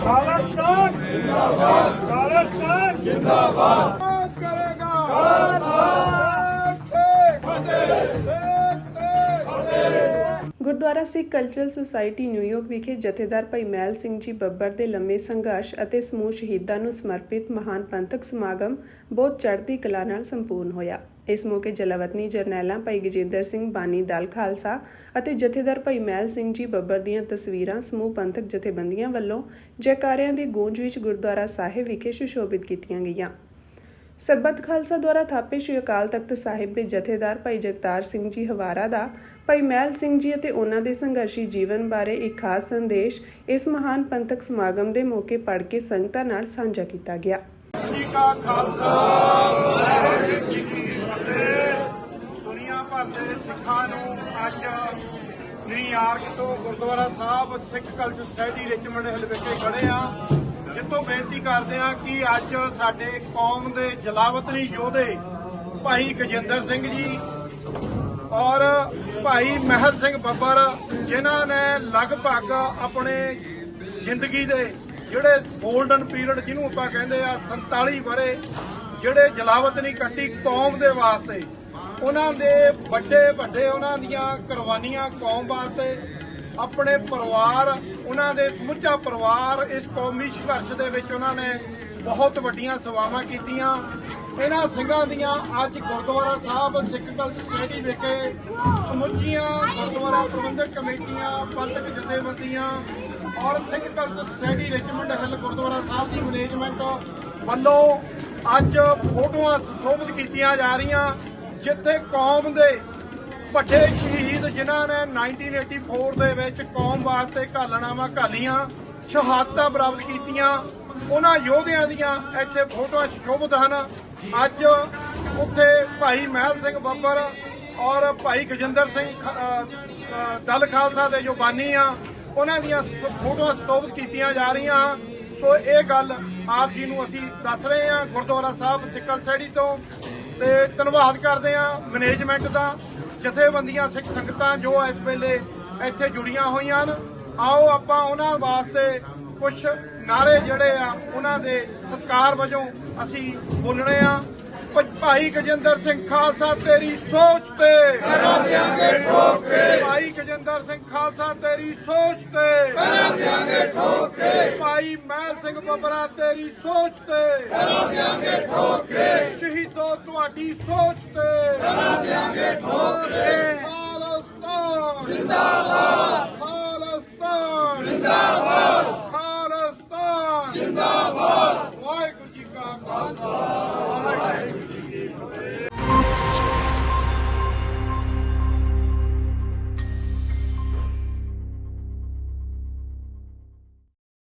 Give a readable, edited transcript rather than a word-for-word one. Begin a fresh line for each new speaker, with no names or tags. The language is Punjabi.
खालिस्तान जिंदाबाद, खालिस्तान जिंदाबाद करेगा।
Gurdwara Sikh cultural society New York ਵਿਖੇ ਜਥੇਦਾਰ ਭਾਈ ਮਹਿਲ ਸਿੰਘ ਜੀ ਬੱਬਰ ਦੇ ਲੰਮੇ ਸੰਘਰਸ਼ ਅਤੇ ਸਮੂਹ ਸ਼ਹੀਦਾਂ ਨੂੰ ਸਮਰਪਿਤ ਮਹਾਨ ਪੰਥਕ ਸਮਾਗਮ ਬਹੁਤ ਚੜ੍ਹਦੀ ਕਲਾ ਨਾਲ ਸੰਪੂਰਨ ਹੋਇਆ। ਇਸ ਮੌਕੇ ਜਲਾਵਤਨੀ ਜਰਨੈਲਾਂ ਭਾਈ ਗਜਿੰਦਰ ਸਿੰਘ ਬਾਨੀ ਦਲ ਖਾਲਸਾ ਅਤੇ ਜਥੇਦਾਰ ਭਾਈ ਮਹਿਲ ਸਿੰਘ ਜੀ ਬੱਬਰ ਦੀਆਂ ਤਸਵੀਰਾਂ ਸਮੂਹ ਪੰਥਕ ਜਥੇਬੰਦੀਆਂ ਵੱਲੋਂ ਜੈਕਾਰਿਆਂ ਦੀ ਗੂੰਜ ਵਿੱਚ ਗੁਰਦੁਆਰਾ ਸਾਹਿਬ ਵਿਖੇ ਸੁਸ਼ੋਭਿਤ ਕੀਤੀਆਂ ਗਈਆਂ। ਸਰਬੱਤ ਖਾਲਸਾ ਦੁਆਰਾ ਥਾਪੇ ਸ਼੍ਰੀ ਅਕਾਲ ਤਖਤ ਸਾਹਿਬ ਦੇ ਜਥੇਦਾਰ ਭਾਈ ਜਗਤਾਰ ਸਿੰਘ ਜੀ ਹਵਾਰਾ ਦਾ ਭਾਈ ਮਹਿਲ ਸਿੰਘ ਜੀ ਅਤੇ ਉਹਨਾਂ ਦੇ ਸੰਘਰਸ਼ੀ ਜੀਵਨ ਬਾਰੇ ਇੱਕ ਖਾਸ ਸੰਦੇਸ਼ ਇਸ ਮਹਾਨ ਪੰਥਕ ਸਮਾਗਮ ਦੇ ਮੌਕੇ ਪੜ੍ਹ ਕੇ ਸੰਗਤਾਂ ਨਾਲ ਸਾਂਝਾ ਕੀਤਾ ਗਿਆ।
ਦੁਨੀਆ ਭਰ ਦੇ ਸਿੱਖਾਂ ਨੂੰ ਅੱਜ ਨਿਊਯਾਰਕ ਤੋਂ Gurdwara Sahib Sikh culture society Richmond Hill ਵਿਖੇ ਖੜੇ ਆ, ਜਿੱਥੋਂ ਬੇਨਤੀ ਕਰਦੇ ਆ ਕਿ ਅੱਜ ਸਾਡੇ ਕੌਮ ਦੇ ਜਲਾਵਤਨੀ ਯੋਧੇ ਭਾਈ ਗਜਿੰਦਰ ਸਿੰਘ ਜੀ ਔਰ ਭਾਈ ਮਹਿਲ ਸਿੰਘ ਬੱਬਰ, ਜਿਨ੍ਹਾਂ ਨੇ ਲਗਭਗ ਆਪਣੇ ਜ਼ਿੰਦਗੀ ਦੇ ਜਿਹੜੇ ਗੋਲਡਨ ਪੀਰੀਅਡ ਜਿਹਨੂੰ ਆਪਾਂ ਕਹਿੰਦੇ ਆ 47 ਵਰੇ ਜਿਹੜੇ ਜਲਾਵਤਨੀ ਕੱਟੀ ਕੌਮ ਦੇ ਵਾਸਤੇ, ਉਹਨਾਂ ਦੇ ਵੱਡੇ ਉਹਨਾਂ ਦੀਆਂ ਕੁਰਬਾਨੀਆਂ ਕੌਮ ਵਾਸਤੇ, ਆਪਣੇ ਪਰਿਵਾਰ, ਉਹਨਾਂ ਦੇ ਸਮੁੱਚਾ ਪਰਿਵਾਰ ਇਸ ਕੌਮੀ ਸੰਘਰਸ਼ ਦੇ ਵਿੱਚ ਉਹਨਾਂ ਨੇ ਬਹੁਤ ਵੱਡੀਆਂ ਸੇਵਾਵਾਂ ਕੀਤੀਆਂ। ਇਹਨਾਂ ਸਿੰਘਾਂ ਦੀਆਂ ਅੱਜ ਗੁਰਦੁਆਰਾ ਸਾਹਿਬ ਸਿੱਖ ਕਲਚਰ ਸੁਸਾਇਟੀ ਵਿਖੇ ਸਮੁੱਚੀਆਂ ਗੁਰਦੁਆਰਾ ਪ੍ਰਬੰਧਕ ਕਮੇਟੀਆਂ, ਪੰਥਕ ਜਥੇਬੰਦੀਆਂ ਔਰ Sikh culture society Richmond Hill Gurdwara Sahib ਦੀ ਮੈਨੇਜਮੈਂਟ ਵੱਲੋਂ ਅੱਜ ਫੋਟੋਆਂ ਸੁਸ਼ੋਭਿਤ ਕੀਤੀਆਂ ਜਾ ਰਹੀਆਂ, ਜਿੱਥੇ ਕੌਮ ਦੇ ਵੱਡੇ ਸ਼ਹੀਦ ਜਿਨ੍ਹਾਂ ਨੇ 1984 ਦੇ ਵਿੱਚ ਕੌਮ ਵਾਸਤੇ ਘਾਲਣਾਵਾਂ ਘਾਲੀਆਂ, ਸ਼ਹਾਦਤਾਂ ਪ੍ਰਾਪਤ ਕੀਤੀਆਂ, ਉਹਨਾਂ ਯੋਧਿਆਂ ਦੀਆਂ ਇੱਥੇ ਫੋਟੋਆਂ ਸੁਸ਼ੋਭਿਤ ਹਨ। ਅੱਜ ਉੱਥੇ ਭਾਈ ਮਹਿਲ ਸਿੰਘ ਬੱਬਰ ਔਰ ਭਾਈ ਗਜਿੰਦਰ ਸਿੰਘ ਦਲ ਖਾਲਸਾ ਦੇ ਜੋ ਬਾਨੀ ਆ, ਉਹਨਾਂ ਦੀਆਂ ਫੋਟੋਆਂ ਸੁਸ਼ੋਭਿਤ ਕੀਤੀਆਂ ਜਾ ਰਹੀਆਂ। ਸੋ ਇਹ ਗੱਲ ਆਪ ਜੀ ਨੂੰ ਅਸੀਂ ਦੱਸ ਰਹੇ ਹਾਂ ਗੁਰਦੁਆਰਾ ਸਾਹਿਬ ਸਿੱਖ ਸੁਸਾਇਟੀ ਤੋਂ, ਤੇ ਧੰਨਵਾਦ ਕਰਦੇ ਹਾਂ ਮੈਨੇਜਮੈਂਟ ਦਾ, ਜਥੇਬੰਦੀਆਂ ਸਿੱਖ ਸੰਗਤਾਂ ਜੋ ਇਸ ਵੇਲੇ ਇੱਥੇ ਜੁੜੀਆਂ ਹੋਈਆਂ ਹਨ। ਆਓ ਆਪਾਂ ਉਹਨਾਂ ਵਾਸਤੇ ਕੁਝ ਨਾਰੇ ਜਿਹੜੇ ਆ ਉਹਨਾਂ ਦੇ ਸਤਿਕਾਰ ਵਜੋਂ ਅਸੀਂ ਬੋਲਣੇ ਆ। ਭਾਈ ਗਜਿੰਦਰ ਸਿੰਘ ਖਾਲਸਾ ਤੇਰੀ ਸੋਚ ਤੇ ਕਰਾਂ ਦਿਆਂਗੇ ਠੋਕ ਕੇ, ਭਾਈ ਗਜਿੰਦਰ ਸਿੰਘ ਖਾਲਸਾ ਤੇਰੀ ਸੋਚ ਤੇ ਕਰਾਂ ਦਿਆਂਗੇ ਠੋਕ ਕੇ, ਭਾਈ ਮਹਿਲ ਸਿੰਘ ਬੱਬਰਾ ਤੇਰੀ ਸੋਚ ਤੇ ਕਰਾਂ ਦਿਆਂਗੇ ਠੋਕ ਕੇ, ਸ਼ਹੀਦੋ ਤੁਹਾਡੀ ਸੋਚ ਤੇ ਕਰਾਂ ਦਿਆਂਗੇ ਠੋਕ ਕੇ। ਖਾਲਿਸਤਾਨ ਜਿੰਦਾਬਾਦ, ਖਾਲਿਸਤਾਨ ਜਿੰਦਾਬਾਦ, ਖਾਲਿਸਤਾਨ ਜਿੰਦਾਬਾਦ। ਵਾਹਿਗੁਰੂ ਜੀ ਕਾ ਖਾਲਸਾ।